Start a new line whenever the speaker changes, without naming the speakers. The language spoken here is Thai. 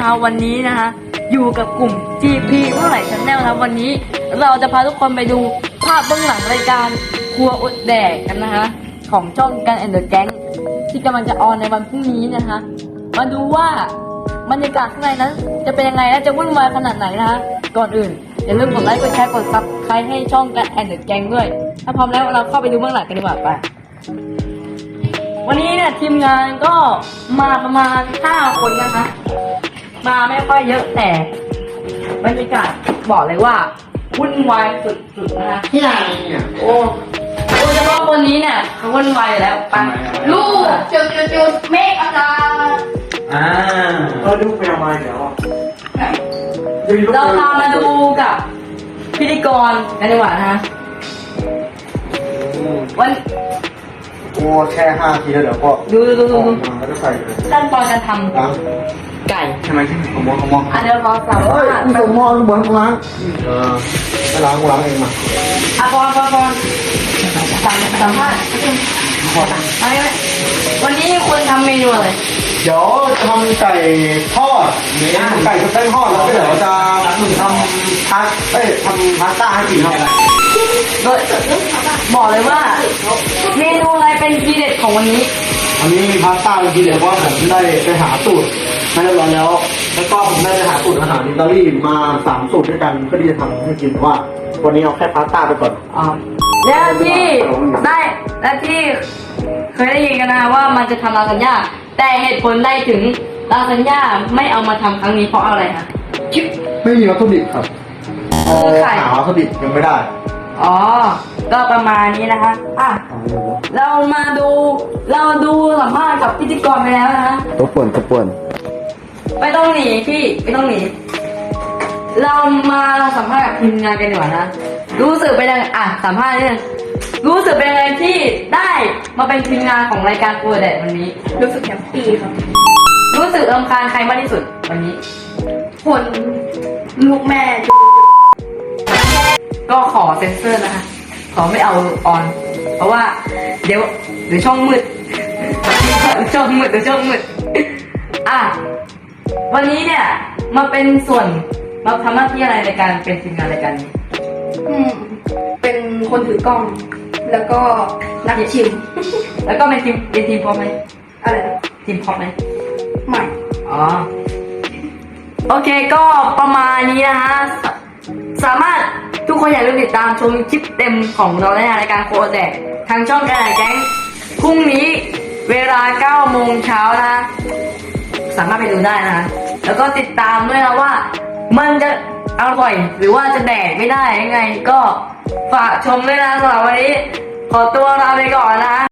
นะครับวันนี้นะคะอยู่กับกลุ่ม GP เมื่อไหร่ Channel นะครับวันนี้เราจะพาทุกคนไปดูภาพเบื้องหลังรายการครัวอดแดกกันนะคะของช่องกันแอนเดอร์แก๊งที่กำลังจะออนในวันพรุ่งนี้นะคะมาดูว่าบรรยากาศข้างในนั้นจะเป็นยังไงและจะวุ่นวายขนาดไหนนะคะก่อนอื่นอย่าลืมกดไลค์กดแชร์กดซับสไครต์ให้ช่องกันแอนเดอร์แก๊งด้วยถ้าพร้อมแล้วเราเข้าไปดูเบื้องหลังกันดีกว่าไปวันนี้เนี่ยทีมงานก็มาประมาณ5 คนนะคะมาไม่ค่อยเยอะแต่บรรยากาศบอกเลยว่าวุ่นวายสุดๆนะคะ
ที่ไหนเนี่ย
โดยเฉพาะคนนี้เนี่ยเขาวุ่นวายอยู่แล้วไป
ลูกจุดเมฆอาจารย์
ลูกไปเอามาเดี๋ยว
เราพามาดูกับพิธีกรกันดีกว่านะคะวัน
โอ้แค่5 ทีแล้วเดี๋ยวก็
ดู
แล้วก็ใส่เลย
ขั้นตอนการท
ล้าง
ำไก่
ทำไมที่ผมมอง
อันเดียวพอสามารถ
ผมมองบนล้างไม่ล้างเองมา
พอสัมภาษณ์อะไรไหมวันนี้คุณทำเมนูอะไร
เดี๋ยวทำไก่ทอดไก่ชุบแป้งทอดแล้วก็เดี๋ยวจะทำทำพาสต้าให้กินครับ
โดยบอกเลยว่าเมนูอะไรเป็นทีเด็ดของวันนี้
อันนี้พาสต้าจริงๆเดี๋ยวว่าผมได้ไปหาสูตรมาเรียบร้อยแล้ว แล้วก็ผมได้ไปหาสูตรอาหารอิตาลีมา3 สูตรด้วยกันเพื่อที่จะทำให้กินว่าวันนี้เอาแค่พาสต้าไปก่อน
และที่เคยได้ยินกันนะว่ามันจะทำลาซานญ่าแต่เหตุผลได้ถึงลาซานญ่าไม่เอามาทำครั้งนี้เพราะอะไรคะ
ไม่มีวัตถุดิบครับหาวัตถุดิบยังไม่ได้
อ๋อก็ประมาณนี้นะคะเราดูสัมภาษณ์กับพิธีกรไปแล้วนะ
ตัวป่วน
ไม่ต้องหนีพี่ไม่ต้องหนีเรามาสัมภาษณ์กับทีมงานกันดีกว่านะรู้สึกเป็นยังไงสัมภาษณ์นิดนึงรู้สึกเป็นยังไงที่ได้มาเป็นทีมงานของรายการครัวแดดวันนี้
รู้สึกแฮปปี้ครับ
รู้สึกรำคาญใครมากที่สุดวันนี้
คนลูกแม่
ก็ขอเซ็นเซอร์นะคะขอไม่เอาออน เพราะว่าเดี๋ยวช่องมืดช่องมืดวันนี้เนี่ยมาเป็นส่วนมาทำหน้าที่อะไรในการเป็นทีมงานรายการนี้
เป็นคนถือกล้อง แล้วก็นักชิม
แล้วก็เป็นทีมพร้อมไหม
อะไรนะ
ทีมพร้อมไหม
ใหม่
อ๋อโอเคก็ประมาณนี้นะฮะสามารถทุกคนอย่าลืมติดตามชมคลิปเต็มของเราในรายการโคแดกทางช่องกันแก๊งพรุ่งนี้เวลา 9 โมงเช้านะสามารถไปดูได้นะแล้วก็ติดตามด้วยนะว่ามันจะอร่อยหรือว่าจะแดกไม่ได้ยังไงก็ฝากชมด้วยนะสำหรับวันนี้ขอตัวลาไปก่อนนะ